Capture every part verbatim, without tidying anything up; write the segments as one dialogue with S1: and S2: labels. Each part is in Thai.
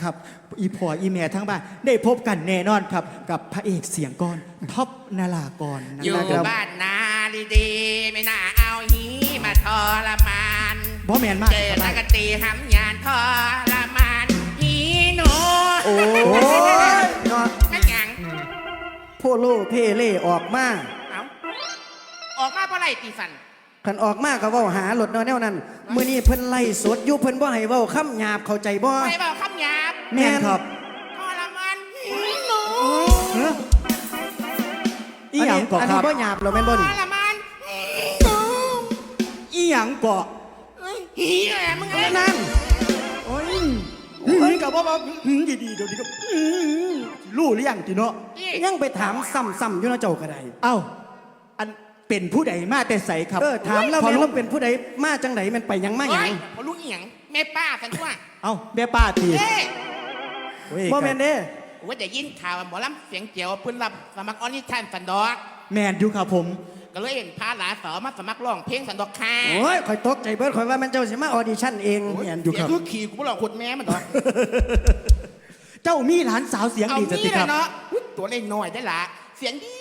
S1: ครับอีพออีแม่ทั้งบ้านได้พบกันแน่นอนครับกับพระเอกเสียงกรท็อปนารากรนะ
S2: อยู่
S1: ครับ
S2: บ้านนาดีๆไม่น่าเอาหีมาทรมาน
S1: บ่แมนมาก
S2: เจอ
S1: ค
S2: นั
S1: รับ
S2: กตีหำยานทรมานหีหนู
S3: โอ้ยเนาะ
S2: นั่นหยัง
S3: โพโลเพเล่ออกมา
S2: เอาออกมาเพราะไรตีสัน
S3: ขันออกมาก็เว้าหาหลดเนาะแนวนั้นมื้อนี้เพิ่นไล่สดอยู่เพิ่นบ่ให้เว้าคำหยาบเข้าใจบ่
S2: ไม่บอกคำหยาบ
S1: แม่นครับ
S2: ทรมานหีหนู
S1: เฮ้ออีหยังเกาะ
S3: อัน
S1: ค
S3: นี้
S1: รับ
S3: บ่หยาบหรอแม่นบ่
S2: ท
S3: นี่
S2: รมานหีหนู
S1: อีหยังเกาะ
S2: เอ้ยหีแหละมึงเอ้ย
S3: นั่น
S1: โอ้ยหืมกับว่าว่าหืมดีๆเดี๋ยวนี้ก็หืมรู้หรือยังจีเนาะ
S2: นี่
S3: ยังไปถามซ้ำๆอยู่เนาะเจ้าก็ได้
S1: เอ้าอันเป็นผู้ใดมาแต่ใสครับ
S3: เออถามแล้ว
S1: พอ
S3: แม่น
S1: รู้
S3: ว่าเป็นผู้ใดมาจังไดแม่นไปหยังมาหยัง
S2: โอ้ยพอลูกเอียงแม่ป้าสันทั่ว
S1: เอ้าแม่ป้าที
S2: เอ้ย
S1: โอ้ย
S3: บ่แม่นเด้
S2: ว่าจะยินข่าวว่าหมอลำเสียงเจียวเพิ่นรับสมัครออนิชั่นสันดอก
S1: แมนอยู่ครับผม
S2: ก็เลยเห็นพาหลานสาวมาสมัครร้องเพลงสันดอกค่ะ
S3: โอ้ยข่อยตกใจเบิดข่อยว่าแม่นเจ้าสิมาออดิชั่นเอง
S2: โอ้ย
S3: แม่นอยู่ครับ
S2: เสีงคือขี่กูบ่หลอกขดแม่มันดอก
S1: เจ้ามีหลานสาวเสียง
S2: เอา
S1: ดีจะติ
S2: นี่
S1: ค
S2: แห
S1: รั
S2: ละ
S1: บ
S2: เนาะอุ๊ยตัวเล็กน้อยได้ละเสียงดี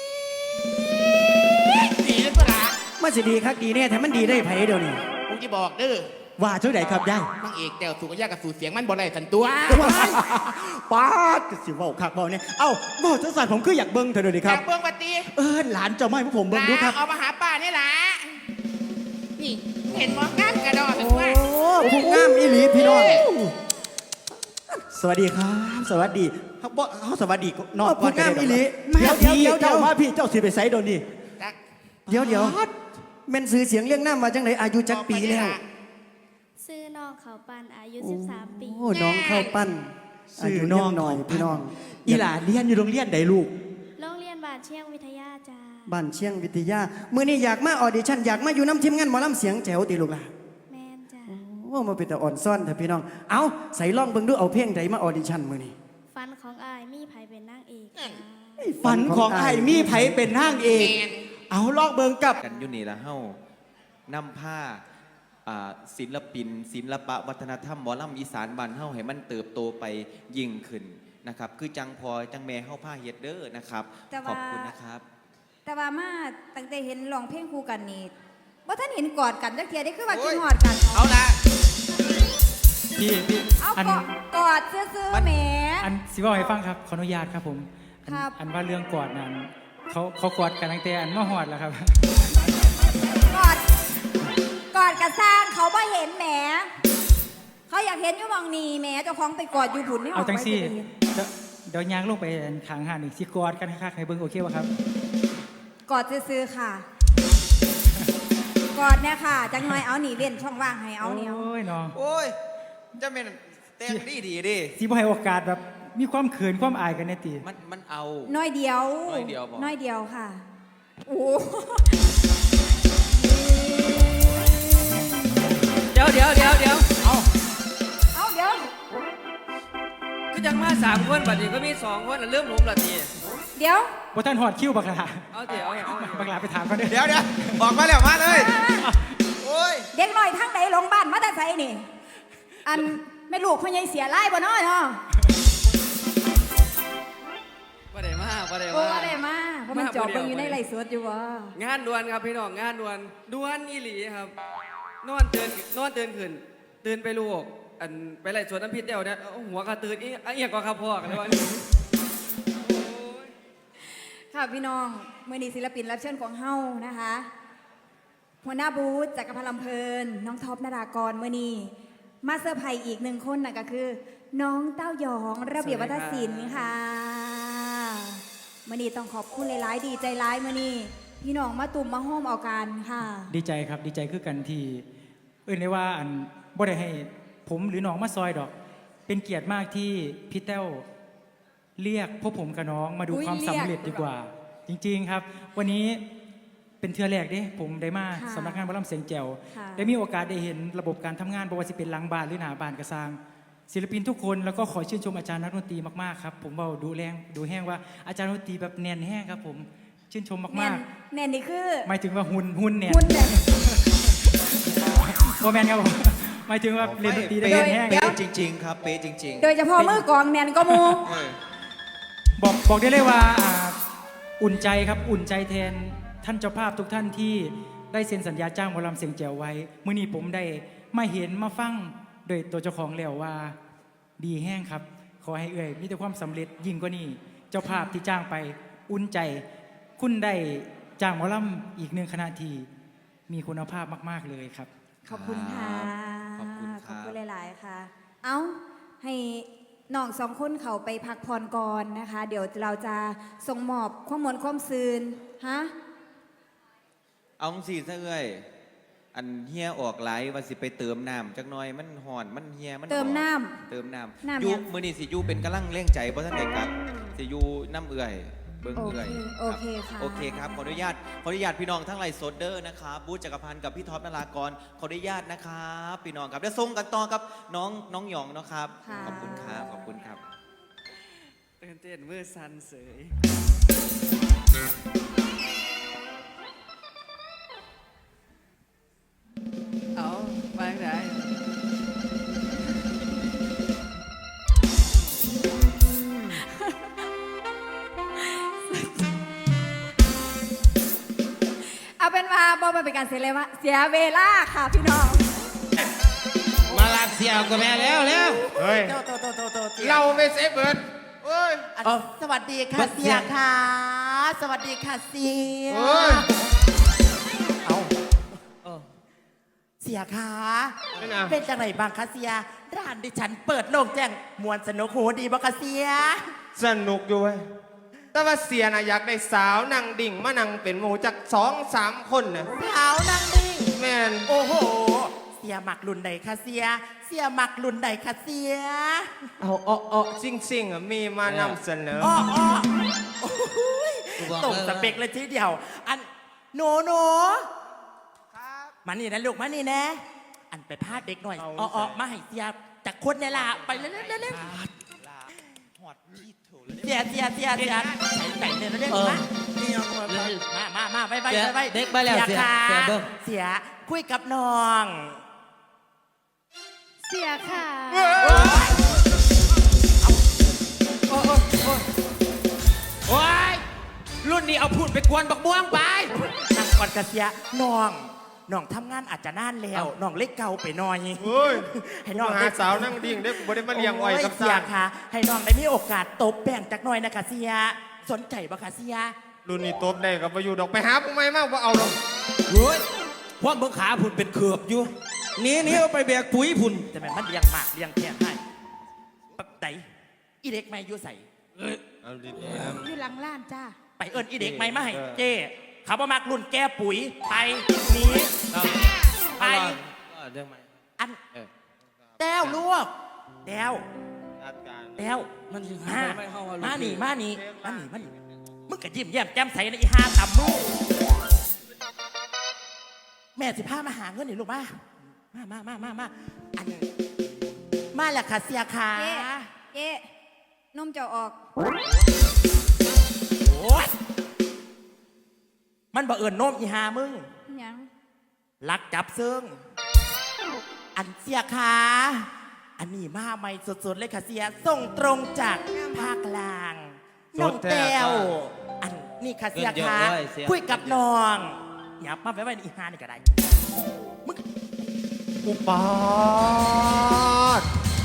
S2: ดีเลยก็ละ
S3: มาสิดีคักดีแน่แต่มันดีได้ไผเดี๋ยวนี้
S2: กูจะบอกเด้อ
S1: ว่าเท่าไหร่ครับย่าย
S2: นางเอกแต่วสูงกับยากับสูเสียงมันบ่ได้สันตัว
S1: ป้าดก็สิเว่าคักเว่าเนี่ยเอ้าเว่าจังสันผมคืออยากเบิ้งเธอเดี๋ยวนี้ค
S2: จา
S1: รับ
S2: กเบื้องปฏิ
S1: เออหลานเจ้าไม่พวกผมเบิ้งดูครับ
S2: เอามาหาป้านี่ล่ะนี่เห็นหมองานกระดอสัน
S3: โอ้
S2: ตัว
S3: ผู้งามอีหลีพี่น้อง
S1: สวัสดีครับ สวัสดีครับบ่เขาสวัสดีนอก
S3: ผู้งามอีหลี
S1: มา
S3: เดี๋ยว
S1: พี่
S3: เดี๋ยวเดี๋ยว
S1: เจ้ามาพี่เจ้าสิไปไซโดนนี่
S2: จัก
S3: เดี๋ยวเดี๋ยวแม่นซื้อเสียงเรื่องน้ำมาจังไดอายุจักปีแล้ว
S4: ซื้อน้องเขาปันอายุ สิบสาม ปี
S3: โอ้น้องเข้าปั้นอายุน้องหน่อยพี่น้อง
S1: อีหลานเรียนอยู่โรงเรียนใดลูก
S4: โรงเรียนบาทเชียงวิทยาจ้า
S3: บ้านเชียงวิทยามื้อนี้อยากมาออดิชั่นอยากมาอยู่น้ำทีมงานหมอลำเสียงแจ๋วติลูกหล่ะ
S4: แมนจ้า
S3: โอ้มาเป็นแต่อ่อนซ่อนเถอะพี่น้องเอาใส่ล่องเบิ่งดูเอาเพลงใดมาออดิชั่นมื้อนี้
S4: ฟันของอายมีไผเป็นนางเอกจ้า
S1: ฝันของไอ้มีไผเป็นนางเอก
S2: แมน
S1: เอาลอกเบิงกับ
S5: กันอยู่นี่ละเฮ้านำผ้าอ่าศิลปิน ศิลปะวัฒนธรรมหมอลำอีสานบ้านเฮ้าให้มันเติบโตไปยิ่งขึ้นนะครับคือจังพอจังแม่เฮ้าผ้าเฮ็ดเด้อนะครับ
S6: แต่
S5: ข
S6: ว่า
S5: อบคุณนะครับ
S6: แต่ว่ามาตั้งแต่เห็นร้องเพลงคู่กันนี่ว่าท่านเห็นกอดกันจักเทียได้คือว่า
S2: โอ้
S6: กิ
S2: ย
S6: นหอดกัน
S2: เอาละ
S7: พี่พี่
S6: เอา
S7: อัน
S6: กอดกอดซื้อๆแหม
S7: อันสิบอกให้ฟังครับขออนุญาตครับผมอัน
S6: ครับ
S7: อันว่าเรื่องกอดนั้นเขาเขากอดกันตั้งแต่อันมาหอดแล้วครับ
S6: กอดกอดกับสร้างเขาบ่เห็นแหมเขาอยากเห็นอยู่หมองนี่แหมเจ้าของไปกอดอยู่ผุนนี่อ
S7: เอา
S6: อก
S7: จัง
S6: ไป
S7: ซี่
S6: จะได้เห็น
S7: เดี๋ยวเดี๋ยวยางลงไปขางหาดอีกสิกอดกันคักๆให้เบิ่งโอเคป่ะครับ
S6: กอดซื้อๆค่ะ กอดเนี่ยค่ะ จังหน่อยเอาหนีเล่นช่องว่างให้เอาเนี่ย
S7: โอ้ยเนาะ
S5: โอ้ยจะเป็นแต่งดีดีดิ
S7: สิบ่ให้โอกาสแบบมีความเขินความอายกันแน่ติ
S5: มันมันเอา
S6: น้อยเดียว
S5: น้อยเดียวบ่
S6: น้อยเดียวค่ะโอ้
S8: เดี๋ยวเดี๋ยวเดี๋ยวเดี๋ยวเอา
S6: เอาเดี๋ยว
S8: ก็ยังมาสามคนบัดนี้ก็มีสองคนน่ะเริ่มผมละที
S6: เดี๋ยว
S7: บ่ท่านหอดคิ้วบักหลา
S8: เอาเดี๋ยวเอา
S7: บักหลาไปถามเขาเด้อ
S5: เดี๋ยวเดี๋ยวออกมาแล้วมาเลย โอ้ย
S6: เด็กน้อยทั้งไหนลงบ้านมาแต่ไสนี่ อันแม่ลูกพ่อใหญ่เสียไล่บ่น้อยเนาะ
S8: บ่ได้มาบ่ได้
S6: โอ้
S8: มา
S6: ได้มาเพราะมันจอบเบิ่งอยู่ในไร่สดอยู่วะ
S8: งานด่วนครับพี่น้องงานด่วนด่วนอีหลีครับ นอนตื่นนอนตื่นขึ้นตื่นไปลูกอันไปไล่สวนน้ำพริษเดียวเนี่ยเอาหัวกระตื่นอีอะเอียงก็ครับพ่อกันเลยว่าโอ้ย
S6: ค่ะพี่น้องมื้อนี้ศิลปินรับเชิญของเฮานะคะ หัวหน้าบูธจักรพันธ์ลำเพลิน น้องท็อปนารากรมื้อนี้มาเซอร์ไพรส์อีกหนึ่งคนน่ะก็คือ น้องเต้ายองระเบียบวัฒนศิลป์ค่ะมื้อนี้ต้องขอบคุณหลายๆดีใจร้ายมื้อนี้พี่น้องมาตุ่มมาโฮมเอากันค่ะ
S7: ดีใจครับดีใจคือกันที่เอื่นได้ว่าอันบ่ได้ให้ผมหรือน้องมาซอยดอก เป็นเกียรติมากที่พี่แต้วเรียกพวกผมกับน้องมาดู
S6: อุ๊ย
S7: ความสำเร็จ
S6: เรียก
S7: ดีกว่า จริง ๆครับ วันนี้เป็นเทือแรกเด้ผมได้มา
S6: ค่ะ
S7: สำนักงานบรมเสียงแจ๋ว
S6: ค่ะ
S7: ได้มีโอกาสได้เห็นระบบการทำงานบ่ว่าจะเป็นหลังบ้านหรือหน้าบ้านกระซาง ศิลปินทุกคนแล้วก็ขอชื่นชมอาจารย์นักดนตรีมากๆครับผมเบาดูแรงดูแห้งว่าอาจารย์ดนตรีแบบแน่นแห้งครับผมชื่นชม
S6: แน่
S7: มาน ก
S6: แน่นนี่คือ
S7: ๆหมายถึงว่าหุ่นหุ่นแน่น
S6: คุณเนี่ย
S7: โมแมนครับผมหมายถึงว่าเล่นดนตรีได้
S5: เป๊ะ
S7: แห้ง
S5: เป๊ะจริง ๆ ครับ เป๊ะจริง
S6: โดยเฉพาะมือกลองแนนก็มู
S5: ๆเออ
S7: บอกบอกได้เลยว่าอ่าอุ่นใจครับอุ่นใจแทนท่านเจ้าภาพทุกท่านที่ได้เซ็นสัญญาจ้างหมอลำเสียงแจ๋วไว้เมื่อนี้ผมได้มาเห็นมาฟังโดยตัวเจ้าของแล้วว่าดีแห้งครับ ขอให้เอ่ยมีแต่ความสำเร็จยิ่งกว่านี้เจ้าภาพที่จ้างไปอุ่นใจ คุณได้จ้างหมอลำอีกหนึ่งคณะที่มีคุณภาพมากๆเลยครับ
S6: ขอบคุณค่ะ
S5: ขอบคุณครับ
S6: ขอบคุณหลาย ๆ ค่ะ เอ้า ให้น้องสองคนเขาไปพักผ่อนก่อนนะคะ เดี๋ยวเราจะส่งมอบข้อมูลความซืนฮะ
S5: เอาสิซะเอ้ยอันเฮียออกไหลว่าสิไปเติมน้ำจักหน่อยมันห่อนมันเฮียมัน
S6: เติม
S5: อ่อ
S6: น้ำ
S5: เติมน้
S6: น้ำ
S5: ำอยู
S6: ยัง
S5: มือนี่สิอยูเป็นกำลังเร่งใจเพราะท่านเด็กครับสิอยูน้ำเอื่อยเบิ้ง
S6: โอ
S5: เอื่
S6: เค
S5: อย
S6: โอเคค่ะ
S5: โอเคครับขออนุญาตขออนุญาตพี่น้องทั้งไลฟ์สดเดอร์นะครับบูธจักรพันธ์กับพี่ท็อปนารากรขออนุญาตนะครับพี่น้องครับแล้วส่งกันต่อกับน้องน้องหยองนะครับ
S6: ค่ะ
S5: ขอบคุณครับขอบคุณครับ
S8: ตื่นเต้นมือสั่นเสยเอาไปไหน
S6: เอาเป็นว่าบอมาเป็นการเสียเลยว่าเสียเวลาค่ะพี่น้อง
S2: มาลากเสียวกับแม่แล้วแล้ว
S9: เฮ้ย
S2: โตโตโตโตโต
S9: เราไม่เซฟเบิร์ดเฮ้ย
S2: สวัสดีค่ะเสียค่ะ สวัสดีค่ะเสีย
S9: เฮ้ย
S2: เอาเสียค่ะ
S9: เป็นไง
S2: เป็นจังไหนบ้างคะเสียร้านดิฉันเปิดโล่งแจ้งมวนสนุกหูดีบ่คะเสีย
S9: สนุกอยู่เว้ยแต่ว่าเสียนะอยากได้สาวนั่งดิ่งมานั่งเป็นหมูจากสองสามคนนะ
S2: สาวนางนิ่ง
S9: แมน
S2: โอ้โห เสียหมักรุ่นใดคะเสีย เสียหมักรุ่นใดคะเสีย
S9: เอาอ้ออ้อซิ่งซิ่งอ่ะมีมานำเสนอ
S2: อ้ออ้อโอ้ยตรงสเปกเลยทีเดียว อันหนูหนูมานี่นะลูกมานี่นะ อันไปพาดเด็กหน่อย
S9: เอา
S2: อ้ออ้อ
S9: ใส่
S2: มาให้เสียจากคนเนี่ยล่ะไปเร็วเร็วเร็วเร็วเสียเสียเสียเสียใส่ใส่เลยเร็วๆมามามามาไปไปไป
S10: เด็กไปแล้วเสีย
S2: ค่ะ
S10: เสียเบิ่ง
S2: เสียคุยกับน้อง
S4: เสียค่ะ
S10: โอ้ยรุ่นนี้เอาพูดไปกวนบักม่วงไป
S2: นั่งก่อนกระเสียน้องน้องทำงานอาจจะนานแล้วน้องเล็กเก่าไปหน่อย
S9: เฮ้ย
S2: ให้น้อง
S9: หา
S2: ได้
S9: สาวนั่งดิ่งได้บ่ได้มาเลี้ยงไว้กับ
S2: เสี
S9: สาย
S2: ค่ะ ให้น้องได้มีโอกาสตบแบ่งจากหน่อยนะคะเสีย สนใจบ่คะเสีย
S9: รุ่นนี้ตบได้กับมาอยู่ดอกไปหาผู้ไม่มากว่าเอาหรอก
S10: เฮ้ยพวกเบิ่งขาพุ่นเป็นเขือบอยู่หนี่นี่เอาไปแบกปุ๋ยพุ่น
S2: แต่แม่นมันเลี้ยงมากเลี้ยงแค่ให้ปักไตอีเด็กไม่อยู่ใส่
S9: เอาดิ
S6: อยู่หลังล้านจ้า
S2: ไปเอิ้นอีเด็กไม่มาให้
S9: เออ
S2: เจ้เขาบ่มักรุ่นแก้ปุ๋ยไปหนีไป
S10: เรื่องใหม่
S2: อัน
S10: เออ
S2: แต้วลูกแต้ว
S9: จัดการ
S2: แต้ว
S10: มันสิ
S2: มา
S10: ไม่เข้าว่า
S2: มา
S10: ลูก
S2: นี่
S10: พี่
S2: มานี่มานี่มานี่มึงก็ยิ้มแย้มแจ่มใสในะอีห้าตำมึงแม่สิพามาหาเงินนี่ลูกมามามามามามาอันมาแหละค่ะเสียค่ะ
S6: เอ๊ะเอ๊ะนมจะออก
S2: โอ้ยมันบ่เอิญโน้มอีหามึง
S6: ยัง
S2: ลักจับซึ่งอันเสียค่ะอันนี้มาใหม่สดๆเลยค่ะเสียส่งตรงจากภาคกลางน้องแต้วอันนี่ค่ะเสียค่ะคุยกับน้องอย่ามาไว้ไว้ในอีหานี่ก็ได้มึง
S9: อุปาท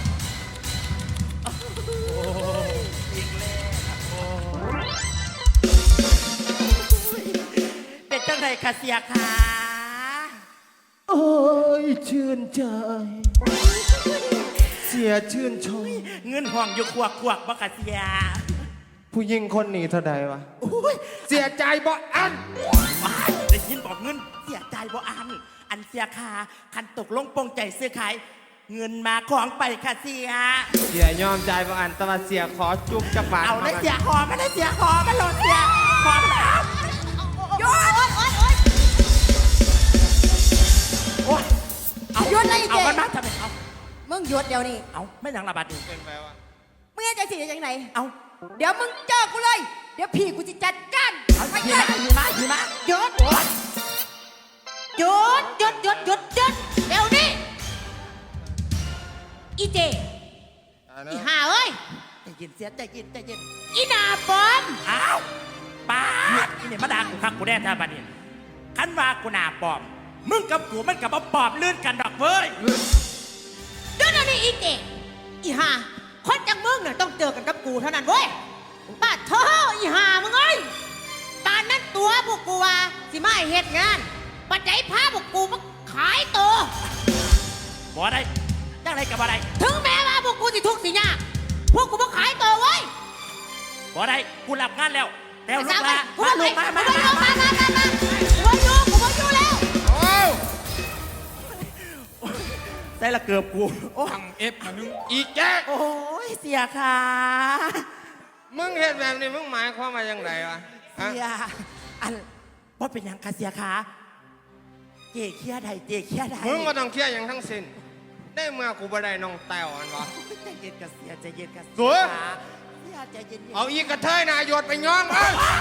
S2: เป็นจังไรคะเสียค่ะ
S9: โอ้ยชื่นใจ เสียชื่นชม
S2: เงินห้องอยู่ขวกขวกบ่คะเสีย
S9: ผู้หญิงคนนี้เท่าใดวะ
S2: โอ้ย
S9: เสียใจบ่อัน
S2: ว้ายได้ยินบอกเงินเสียใจบ่อัน อันเสียค่ะคันตกลงปรงใจซื้อขายเงินมาของไปค่ะเสีย
S9: เสียยอมใจบ่อันแต่ว่าเสียขอจุ๊บจักบาท
S2: เอาได้
S9: ม
S2: เสียขอมาได้เสียขอมาโหลดเสียขอมาเอาโยนโอ๊ยเอา
S6: หยุดเลยอีเจ๊
S2: เอามันมาทำไมเอา
S6: มึงหยุดเดี๋ยวนี้
S2: เอาไม่ยังระบาดนี่
S9: เป็นไปวะ
S6: มึงจะสิยังไง
S2: เอา
S6: เดี๋ยวมึงเจอกูเลย เดี๋ยวพี่กูจะจัดการ
S2: เอา
S6: ไป
S2: หิ
S6: เล
S2: มะ
S6: ย
S2: หิมะหิมะ
S6: หยุดหยุดหยุดหยุดหยุดหยุดเดี๋ยวนี้
S11: อีเจอีห่าเอ้ย
S2: ใจเย็นเสียใจเย็นใจเย็น
S11: อีหนาปอม
S2: อ้าวป้าดนี่เนี่ยมาด่ากูคักกูแน่ท่าบัดนี้คันว่ากูหน้าปลอม มึงกับกูมันกับมาปลอมลื่นกันดอกเว้ย
S11: เดี๋ยวนี้อีเจอีห่าคนจังมึงเนี่ยต้องเจอกันกับกูเท่านั้นเว้ยป้าเธออีห่ามึงเอ้ยตอนนั้นตัวพวกกูว่าสิมาให้เฮ็ดงานปัจจัยพาพวกกูมาขายตัว
S2: บ่ได้จังไรกับบ่ได้
S11: ถึงแม้ว่าพวกกูสิทุกข์สิยากพวกกูมาขายตัวเว้ย
S2: บ่ได้กูรับงานแล้วแล้วลูก
S11: สาว
S2: มา
S11: กู
S2: มา
S11: มา
S2: ลูกมามา
S11: กู
S2: มา
S11: มา
S2: มา
S11: มามามากูมาอยู่กูมาอยู่แล้ว
S2: ใส่ละเกือบกูโอ้
S10: ทำเอฟมานึงอีแจ๊ก
S2: โอ้ยเสียค่ะ
S9: มึงเห็นแบบนี้มึงหมายความว่าอย่างไรวะฮะ
S2: เสียอันว่าเป็นหยังคะเสียค่ะเจ๊เคียใดเจ๊เคียใด
S9: มึงก็ต้องเคลียร์อย่างทั้งสิ้นได้เมื่อกูบ่ได้น้องแต้วอันวะ
S2: ใจเย็นกับเสียใจเย็นกับ
S9: สวย
S2: เสียใจเย็นๆ
S9: เอาอีกกระเทยนายโยดไปย้อมเอ้ย